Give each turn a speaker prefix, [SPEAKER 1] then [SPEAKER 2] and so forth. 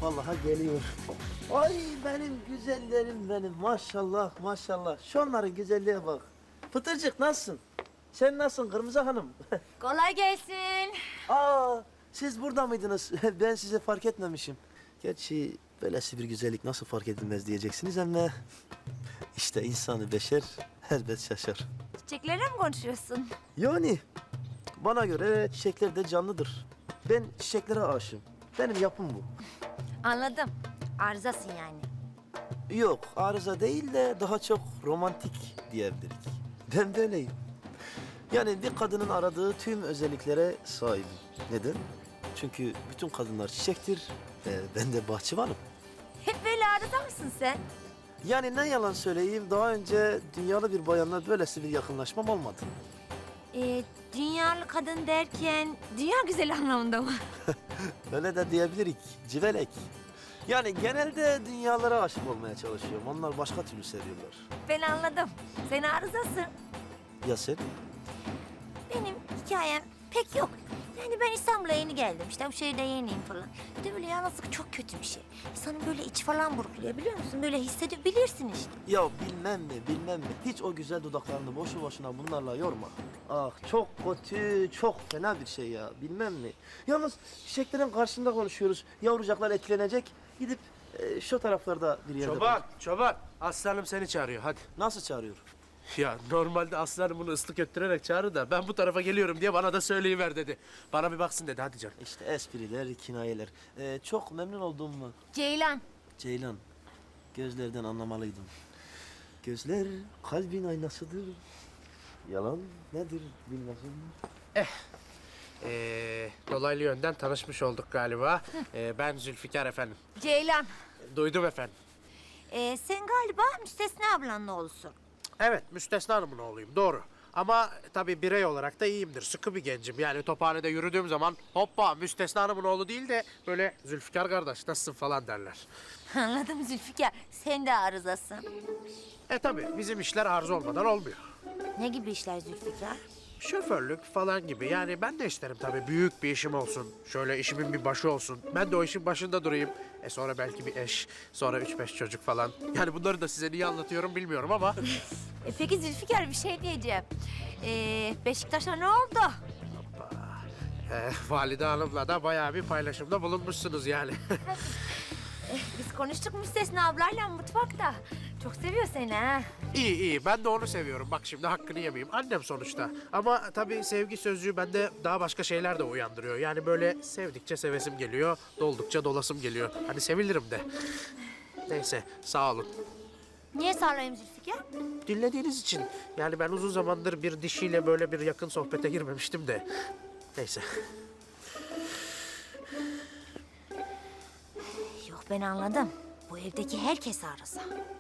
[SPEAKER 1] vallahi geliyor. Ay benim güzellerim benim. Maşallah maşallah. Şunların güzelliğe bak. Pıtırcık nasılsın? Sen nasılsın Kırmızı Hanım?
[SPEAKER 2] Kolay gelsin.
[SPEAKER 1] Aa, siz burada mıydınız? Ben size fark etmemişim. Gerçi böylesi bir güzellik nasıl fark edilmez diyeceksiniz ama... ...işte insanı beşer elbet şaşar.
[SPEAKER 2] Çiçeklerle mi konuşuyorsun?
[SPEAKER 1] Yani bana göre çiçekler de canlıdır. Ben çiçeklere aşığım. Benim yapım bu.
[SPEAKER 2] Anladım. Arızasın yani.
[SPEAKER 1] Yok, arıza değil de daha çok romantik diyebiliriz. Ben böyleyim. Yani bir kadının aradığı tüm özelliklere sahibim. Neden? Çünkü bütün kadınlar çiçektir. Ben de bahçıvanım.
[SPEAKER 2] Hep böyle arıza mısın sen?
[SPEAKER 1] Yani ne yalan söyleyeyim, daha önce dünyalı bir bayanla böylesi bir yakınlaşmam olmadı.
[SPEAKER 2] Dünyalı kadın derken dünya güzeli anlamında mı?
[SPEAKER 1] Öyle de diyebilirik, civelek. Yani genelde dünyalara aşık olmaya çalışıyorum. Onlar başka türlü seviyorlar.
[SPEAKER 2] Ben anladım. Sen arızasın.
[SPEAKER 1] Ya sen?
[SPEAKER 2] Benim hikayem pek yok. Yani ben İstanbul'a yeni geldim. İşte bu şehirde yeniyim falan. Bir de böyle yalnızlık çok kötü bir şey. İnsanın böyle içi falan burkuluyor biliyor musun? Böyle hissedebilirsin işte.
[SPEAKER 1] Ya bilmem mi, bilmem mi. Hiç o güzel dudaklarını boşu boşuna bunlarla yorma. Ah çok kötü, çok fena bir şey ya. Bilmem mi. Yalnız çiçeklerin karşısında konuşuyoruz. Yavrucaklar etkilenecek. Gidip şu taraflarda bir yerde...
[SPEAKER 3] Çoban, çoban. Aslanım seni çağırıyor, hadi.
[SPEAKER 1] Nasıl çağırıyor?
[SPEAKER 3] Ya normalde aslanım bunu ıslık öttürerek çağırır da ben bu tarafa geliyorum diye bana da söyleyiver dedi. Bana bir baksın dedi, hadi canım.
[SPEAKER 1] İşte espriler, kinayeler. Çok memnun oldum mu?
[SPEAKER 2] Ceylan.
[SPEAKER 1] Ceylan, gözlerden anlamalıydım. Gözler kalbin aynasıdır. Yalan nedir bilmezim.
[SPEAKER 3] Dolaylı yönden tanışmış olduk galiba. Ben Zülfikar efendim.
[SPEAKER 2] Ceylan.
[SPEAKER 3] Duydum efendim.
[SPEAKER 2] Sen galiba Müstesna ablanın oğlusun.
[SPEAKER 3] Evet, Müstesna Hanım'ın oğluyum, doğru. Ama tabii birey olarak da iyiyimdir, sıkı bir gencim. Yani tophanede yürüdüğüm zaman hoppa Müstesna Hanım'ın oğlu değil de böyle Zülfikar kardeş nasılsın falan derler.
[SPEAKER 2] Anladım Zülfikar. Sen de arızasın.
[SPEAKER 3] Tabii bizim işler arıza olmadan olmuyor.
[SPEAKER 2] Ne gibi işler Zülfikar?
[SPEAKER 3] Şoförlük falan gibi. Yani ben de isterim tabii büyük bir işim olsun. Şöyle işimin bir başı olsun. Ben de o işin başında durayım. Sonra belki bir eş, sonra 3-5 çocuk falan. Yani bunları da size niye anlatıyorum bilmiyorum ama...
[SPEAKER 2] Peki Zülfikar bir şey diyeceğim. Beşiktaş'a ne oldu?
[SPEAKER 3] Valide Hanım'la da bayağı bir paylaşımda bulunmuşsunuz yani.
[SPEAKER 2] Biz konuştuk Müstesna ablayla mutfakta. Çok seviyor seni ha.
[SPEAKER 3] İyi iyi, ben de onu seviyorum. Bak şimdi hakkını yemeyeyim. Annem sonuçta. Ama tabii sevgi sözcüğü bende daha başka şeyler de uyandırıyor. Yani böyle sevdikçe sevesim geliyor, doldukça dolasım geliyor. Hani sevilirim de. Neyse, sağ olun.
[SPEAKER 2] Niye sarılayım Zülfikar?
[SPEAKER 3] Dinlediğiniz için. Yani ben uzun zamandır bir dişiyle böyle bir yakın sohbete girmemiştim de. Neyse.
[SPEAKER 2] Yok ben anladım. Bu evdeki herkes arıza.